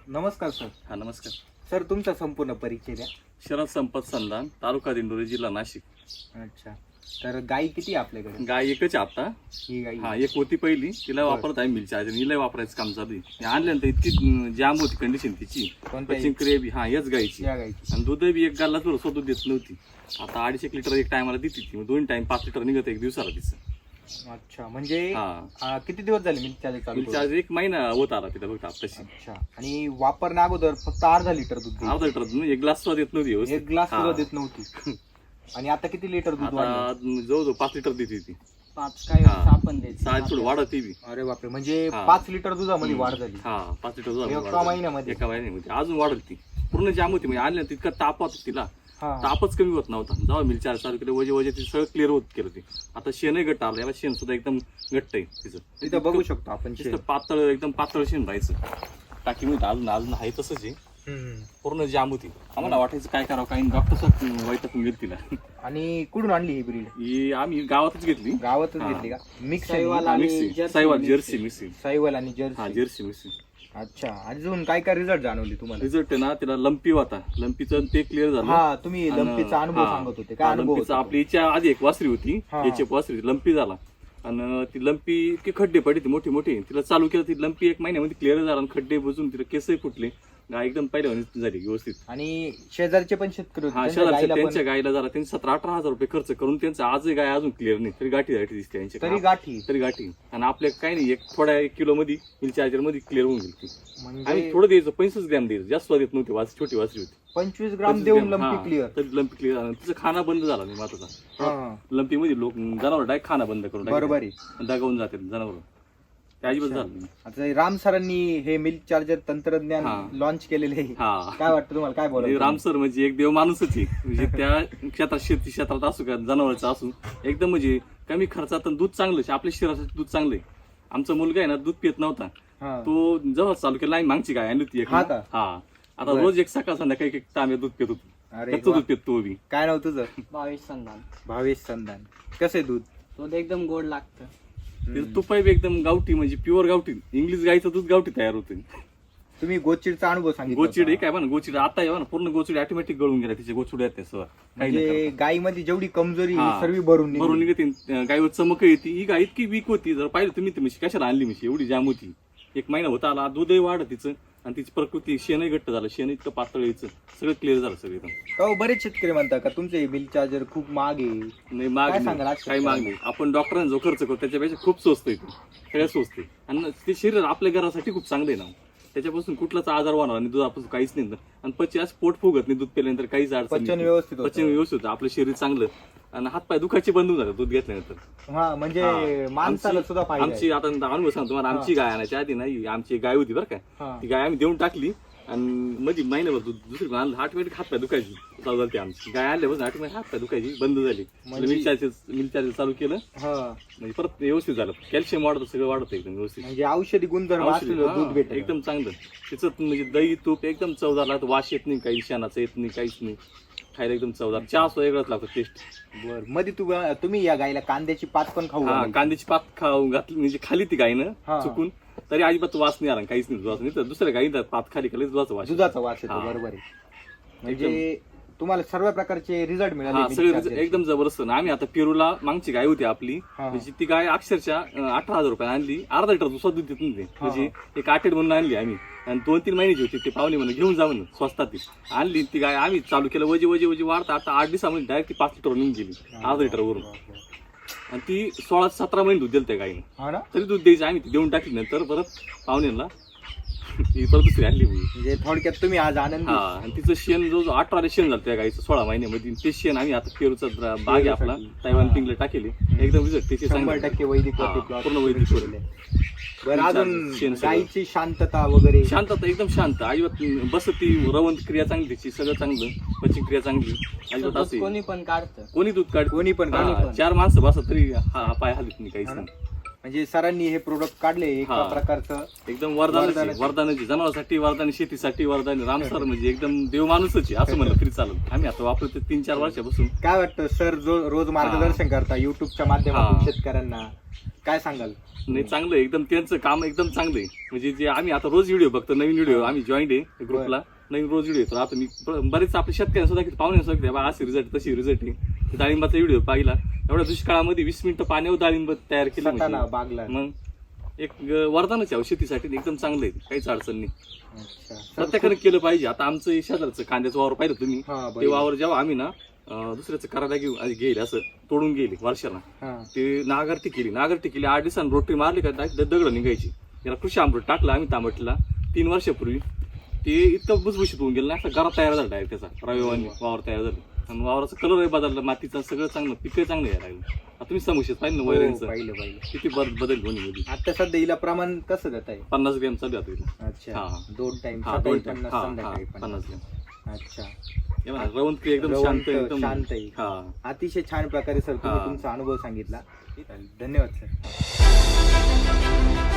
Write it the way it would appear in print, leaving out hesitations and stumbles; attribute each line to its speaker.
Speaker 1: नमस्कार सर.
Speaker 2: हा नमस्कार.
Speaker 1: सर तुमचा संपूर्ण परिचय द्या.
Speaker 2: शरद संपत संधान, तालुका दिंडोरी, जिल्हा नाशिक.
Speaker 1: अच्छा. तर गाई किती आहे आपल्याकडे?
Speaker 2: गाय एकच आहे आता.
Speaker 1: ही गाई.
Speaker 2: हा एक होती पहिली, तिला
Speaker 1: बरं.
Speaker 2: वापरत आहे मिल चार्जर. हिला वापरायचं काम चालू आहे. आणल्यानंतर इतकी जाम होती कंडिशन तिची.
Speaker 1: कोणत्या
Speaker 2: पचिंग क्रिया हा याच गायची.
Speaker 1: या गाईची?
Speaker 2: आणि दूध बी एक गाला थोडं दूध देत नव्हती. आता 2.5 लिटर एक टायमाला देते ती. 2 टाइम 5 लिटर निघत एक दिवसाला तिचं.
Speaker 1: अच्छा. म्हणजे
Speaker 2: हा
Speaker 1: किती दिवस झाले मिल्क चार्जर चालू
Speaker 2: मिल
Speaker 1: करून?
Speaker 2: चार्जर 1 महिना होत आला तिला फक्त आताशी.
Speaker 1: अच्छा. आणि वापरण्या अगोदर फक्त अर्धा लिटर दूध द्यायची.
Speaker 2: अर्धा लिटर एक ग्लास सुद्धा देत नव्हती व्यवस्थित.
Speaker 1: एक ग्लास
Speaker 2: हा.
Speaker 1: सुद्धा देत नव्हती. आणि आता किती लिटर दूध वाढलं?
Speaker 2: आता जवळजवळ 5 लिटर देते ती.
Speaker 3: 5 काय
Speaker 2: हा.
Speaker 3: आपण द्यायचं.
Speaker 2: 6 थोडं वाढत बी.
Speaker 1: अरे बापरे. म्हणजे
Speaker 2: हा.
Speaker 1: 5 लिटर दुधामध्ये वाढ झाली
Speaker 2: हा 5 लिटर
Speaker 1: एका
Speaker 2: दूध
Speaker 1: महिन्यामध्ये?
Speaker 2: एका महिन्यामध्ये अजून वाढत ती. पूर्ण जाम होती. म्हणजे आणल्या तितका ताप होता तिला.
Speaker 1: हा.
Speaker 2: तापच कमी होत नव्हता. जेव्हा मिल चार्ज चालू केलं वजे ते सगळं क्लिअर होत केलं ते. आता शेणही घट्ट आलं. याला शेण सुद्धा एकदम घट्ट आहे तिचं.
Speaker 1: तिथं बघू शकतो आपण.
Speaker 2: नुसतं पातळ एकदम पातळ शेण राहायचं. टाकी मध्ये अजून अजून आहे तसंच आहे. पूर्ण जाम होती. आम्हाला वाटायचं काय करावं, काही डॉक्टर वैतागून गेली तिला.
Speaker 1: आणि कुठून आणली ही ब्रीड?
Speaker 2: ही आम्ही गावातच घेतली.
Speaker 1: गावातच
Speaker 2: हा.
Speaker 1: घेतली का? मिक्स
Speaker 3: साहिवाल
Speaker 2: हा,
Speaker 3: आणि
Speaker 2: मिक्सी
Speaker 3: जर्सी
Speaker 2: साहिवाल
Speaker 3: मिक्सी.
Speaker 2: जर्सी मिक्सी.
Speaker 1: साहिवाल आणि
Speaker 2: हा
Speaker 1: जर्सी.
Speaker 2: Jersey mixie.
Speaker 1: अच्छा. अजून काय काय रिझल्ट जाणवले तुम्हाला?
Speaker 2: रिझल्ट आहे ना, तिला लंपी होता. लंपीचं ते क्लिअर झालं.
Speaker 1: हा. तुम्ही
Speaker 2: आणि-
Speaker 1: लंपीचा अनुभव
Speaker 2: हा.
Speaker 1: सांगत होते. काय अनुभव
Speaker 2: लंपीचा
Speaker 1: होता?
Speaker 2: आपली हिच्या आधी एक वासरी होती.
Speaker 1: हा.
Speaker 2: याची वासरी लंपी झाला. आणि ती लंपी इतके खड्डे पडले मोठे मोठे. तिला चालू केलं ती लंपी 1 महिन्यामध्ये क्लिअर झाला. आणि खड्डे बुजून तिला केसही फुटले. गाय एकदम पहिल्या झाली व्यवस्थित.
Speaker 1: आणि शेजारचे पण शेतकरी होते.
Speaker 2: हा
Speaker 1: त्यांच्या
Speaker 2: शहरात
Speaker 1: गाईला
Speaker 2: त्यांच्या
Speaker 1: पण-
Speaker 2: गायला झाला. त्यांनी 17-18 हजार रुपये खर्च करून त्यांचं आजही गाय अजून क्लिअर नाही. तरी गाठी दिसते
Speaker 1: तरी
Speaker 2: त्यांच्या.
Speaker 1: गाठी.
Speaker 2: तरी गाठी. आणि आपल्या काही नाही, थोड्या 1 किलो मध्ये मिल चार्जर मध्ये क्लिअर होऊन गेली ती.
Speaker 1: म्हणजे
Speaker 2: आम्ही थोडं द्यायचं 25 ग्रॅम द्यायचं. जास्त देत नव्हती. छोटी वासरी होती.
Speaker 1: 25 ग्राम
Speaker 2: 25
Speaker 1: देऊन
Speaker 2: ग्रॅम,
Speaker 1: लंपी
Speaker 2: हा.
Speaker 1: क्लिअर.
Speaker 2: तरी लंपी क्लिअर झाला. तिचं खाना बंद झाला नाही माताचा.
Speaker 1: हा.
Speaker 2: लंपी मध्ये लोक जनावर डायरेक्ट खाना बंद करून
Speaker 1: बरोबर आहे.
Speaker 2: दगावून जाते जनावर. ते अजिबात झालं नाही.
Speaker 1: आता राम सरांनी हे मिल्क चार्जर तंत्रज्ञान
Speaker 2: हा.
Speaker 1: लॉन्च केलेले आहे.
Speaker 2: हा
Speaker 1: काय वाटतं तुम्हाला? काय बोलायचं?
Speaker 2: राम सर म्हणजे एक देव माणूसच आहे. म्हणजे त्या क्षेत्रात शेती क्षेत्रात असू का जनावरांचं असू एकदम म्हणजे कमी खर्चात दूध चांगलं. आपल्या शरीरासाठी दूध चांगलं आहे. आमचा मुलगा आहे ना दूध पित नव्हता.
Speaker 1: हा.
Speaker 2: तो जेव्हा चालू केला आम्ही मागची गाय आणली होती एक.
Speaker 1: हा का?
Speaker 2: हा. आता
Speaker 1: बरं.
Speaker 2: रोज एक सकाळ संध्याकाळी एक तांब्या दूध पित होतो.
Speaker 1: अरे
Speaker 2: त्याचं
Speaker 1: वा.
Speaker 2: दूध पित तो बी.
Speaker 1: काय नाव तुझं?
Speaker 3: 22 संधान.
Speaker 1: भावेश संधान. कसं आहे दूध?
Speaker 3: तो एकदम गोड लागतं.
Speaker 2: त्याचं तुपाई बी एकदम गावठी म्हणजे प्युअर गावठी. इंग्लिश गायचं दूध गावठी तयार होतं.
Speaker 1: तुम्ही गोचिडचा अनुभव सांगितला
Speaker 2: गोचिड
Speaker 1: होता.
Speaker 2: काय बघा गोचिड आता आहे ना पूर्ण गोचिड ऑटोमॅटिक गळून गेला. तिचे गोचिड येते सर काही नाही
Speaker 1: म्हणजे गायीमध्ये जेवढी कमजोरी
Speaker 2: हा.
Speaker 1: सर्व भरून निघली.
Speaker 2: बरोबर निघते. गायवर चमक येते. ही गाय इतकी वीक होती. जर पाहिलं तुम्ही ती म्हशी कशाला आणली म्हशी एवढी जाम होती. 1 महिना होता आला. दूधही वाढत तिचं. आणि तिची प्रकृती शेणही घट्ट झालं. शेण इतकं पातळ यायचं सगळं क्लिअर झालं सगळं एकदम.
Speaker 1: हो, बरेच शेतकरी म्हणतात का तुमचे मिल्क चार्जर खूप महाग आहे.
Speaker 2: नाही माग
Speaker 1: काय
Speaker 2: नाही.
Speaker 1: सांगाल आज
Speaker 2: काही माग नाही. आपण डॉक्टरांना जो खर्च करतो त्याच्यापेक्षा खूप स्वस्त आहे. सगळ्यात स्वस्त आहे. आणि ते शरीर आपल्या घरासाठी खूप चांगलं आहे ना. त्याच्यापासून कुठलाच आजार होणार आणि दुधापासून काहीच नाही. आणि पची असं पोट फुगत नाही दूध पिल्यानंतर. काहीच अडचण
Speaker 1: पचन
Speaker 2: नाही.
Speaker 1: व्यवस्थित होतं.
Speaker 2: पचन व्यवस्थित होतं. आपलं शरीर चांगलं. आणि हातपाय दुखायचे बंद होऊन जातात दूध घेतल्यानंतर.
Speaker 1: हा. म्हणजे
Speaker 2: हा.
Speaker 1: माणसाला सुद्धा फायदा
Speaker 2: आमची आता अनुभव सांगतो तुम्हाला. आमची गाय आणायच्या आधी नाही आमची गाय होती बरं का.
Speaker 1: हा.
Speaker 2: ती गाय आम्ही देऊन टाकली. आणि मध्ये महिन्याभर दूध दुसरी आणलं. ऑटोमॅटिक हातपाय दुखायची चालू झाली आमची गाय आणल्यापासून. ऑटोमॅटिक हातपाय दुखायची बंद झाली. मिल चार्जर चालू केलं
Speaker 1: हा.
Speaker 2: म्हणजे परत व्यवस्थित झालं. कॅल्शियम वाढतं सगळं वाढतं एकदम व्यवस्थित.
Speaker 1: म्हणजे औषधी गुणधर्म असलेलं दूध भेटत.
Speaker 2: एकदम चांगलं. तिचं म्हणजे दही तूप एकदम चवदार लागतं. वास येत नाही काही शेणाचं येत नाही काहीच नाही. खायला एकदम चवदार. चहा सुद्धा वेगळाच लागतो टेस्ट.
Speaker 1: बर. मध्ये तुम्ही या गायला कांद्याची पात पण खाऊ
Speaker 2: हा
Speaker 1: घालायची.
Speaker 2: कांद्याची पात खाऊ घातली म्हणजे खाली ती गायनं
Speaker 1: हा.
Speaker 2: चुकून. तरी अजिबात वास नाही आला. काहीच नाही दुधाचा. नाही तर दुसऱ्या गाई पात खाली खाली दुधाचा वास येतो.
Speaker 1: दुधाचा वास येतो.
Speaker 2: हा.
Speaker 1: बरोबर आहे. म्हणजे तुम्हाला सर्व प्रकारचे रिझल्ट
Speaker 2: हा
Speaker 1: मिळाले.
Speaker 2: सगळे एकदम जबरदस्त. आम्ही आता पेरूला मागची गाय होती आपली.
Speaker 1: हा.
Speaker 2: म्हणजे ती गाय अक्षरशः 18,000 रुपये आणली. अर्धा लिटर दुसरा दूध देत नव्हते. म्हणजे एक 8 म्हणून आणली आम्ही. आणि 2-3 महिन्याची होती. ते पाहुणे म्हणून घेऊन जा म्हणून स्वस्तात ती आणली. ती गाय आम्ही चालू केलं. वजे वाढता आता 8 दिवसामध्ये डायरेक्ट ती 5 लिटर निघून गेली अर्धा लिटर वरून. आणि ती 16-17 महिने दूध दिलं त्या गायीने.
Speaker 1: हा ना.
Speaker 2: तरी दूध द्यायची आम्ही ती देऊन टाकली. नंतर परत पाहुण्यांना ही परत दुसरी आणली.
Speaker 1: म्हणजे थोडक्यात तुम्ही आज आनंदी.
Speaker 2: हा. आणि तिचं शेण जो 18 शेण झालं त्या गाईचं 16 महिन्यामध्ये. ते शेण आम्ही आता पेरूचा बाग आहे आपला तैवान पिंगला टाकेली. एकदम रिझल्ट त्याचे
Speaker 1: 100% वैदिक
Speaker 2: हा,
Speaker 1: वरती plot
Speaker 2: पूर्ण वैदिक
Speaker 1: केलेले
Speaker 2: वरती.
Speaker 1: आहे. बरं. अजून
Speaker 2: शेण सगळं.
Speaker 1: गायीची शांतता वगैरे.
Speaker 2: शांतता एकदम शांत. अजिबात बसती रवंत क्रिया चांगली तिची. सगळं चांगलं. पचन क्रिया चांगली. अजिबात
Speaker 3: दूध
Speaker 2: असे
Speaker 3: कोणी पण काढतं.
Speaker 2: कोणी दूध काढ
Speaker 1: कोणी पण
Speaker 2: हा,
Speaker 1: काढतं.
Speaker 2: 4 माणसं बसत तरी हा पाय हलत नाही काहीच नाही.
Speaker 1: म्हणजे सरांनी हे प्रोडक्ट काढले एका
Speaker 2: हा.
Speaker 1: प्रकारचं
Speaker 2: एकदम वरदानाची
Speaker 1: वरदानाची.
Speaker 2: वरदानाची जनावरांसाठी वरदानी शेतीसाठी वरदानी रामसर म्हणजे एकदम देव माणूसच आहे असं म्हणलं तरी चालत. आम्ही आता वापरतो 3-4 वर्षापासून.
Speaker 1: काय वाटतं सर जो रोज मार्गदर्शन करता युट्यूबच्या माध्यमातून
Speaker 2: हा.
Speaker 1: शेतकऱ्यांना काय सांगाल?
Speaker 2: नाही चांगलं आहे एकदम, त्यांचं काम एकदम चांगलं आहे. म्हणजे जे आम्ही आता रोज व्हिडिओ बघतो, नवीन व्हिडिओ आम्ही जॉईंट आहे ग्रुपला, नवीन रोज व्हिडिओ येतो. आता मी बरेच आपल्या शेतकऱ्यांना सुद्धा पाहुण्या बा असे रिझल्ट तशी रिझल्ट आहे. डाळिंबाचा व्हिडिओ पाहिला, एवढ्या दुष्काळामध्ये 20 मिनिटं पाण्यावर डाळिंब तयार केलं
Speaker 1: स्वतःला
Speaker 2: म्हणजे
Speaker 1: बागला.
Speaker 2: मग एक वरदानच आहे शेतीसाठी, एकदम चांगलं आहे, काहीच अडचण नाही.
Speaker 1: अच्छा. सर,
Speaker 2: प्रत्येकाने केलं पाहिजे. आता आमचं शेजारचं कांद्याचं वावर पाहिलं तुम्ही,
Speaker 1: हा,
Speaker 2: ते
Speaker 1: बरोबर.
Speaker 2: वावर जेव्हा आम्ही ना दुसऱ्याचं करायला गेले असं तोडून गेले वर्षाला,
Speaker 1: हा.
Speaker 2: ते नागरटी केली 8 दिवसांनी रोटरी मारली का दगड निघायची. याला कृषी अमृत टाकलं आम्ही तांबटला 3 वर्षापूर्वी, ते इतकं भुसभुशीत होऊन गेलं ना, असा घरात तयार झाला डायरेक्ट त्याचा रविवारी वावर तयार झालं. आणि वावराचा कलरही बदलला, मातीचा सगळं चांगलं, पिकही चांगलं यायला लागलं. आता तुम्ही समोसेत पाहिजे ना
Speaker 1: हो,
Speaker 2: वैरणचं
Speaker 1: पाहिलं.
Speaker 2: किती बदल दोन्ही मध्ये.
Speaker 1: आता सध्या हिला प्रमाण कसं देत आहे?
Speaker 2: 50 ग्रॅम चालू आहे आता.
Speaker 1: अच्छा.
Speaker 2: हा.
Speaker 1: 2 टाइम
Speaker 2: हा,
Speaker 1: सकाळी
Speaker 2: 2 टाइम.
Speaker 1: 50
Speaker 2: हा,
Speaker 1: संध्याकाळी 50.
Speaker 2: 50 ग्रॅम.
Speaker 1: अच्छा.
Speaker 2: रवंत एकदम शांत, एकदम
Speaker 1: शांत आहे.
Speaker 2: हा.
Speaker 1: अतिशय छान प्रकारे सर तुम्ही
Speaker 2: हा.
Speaker 1: तुमचा अनुभव सांगितला. धन्यवाद सर.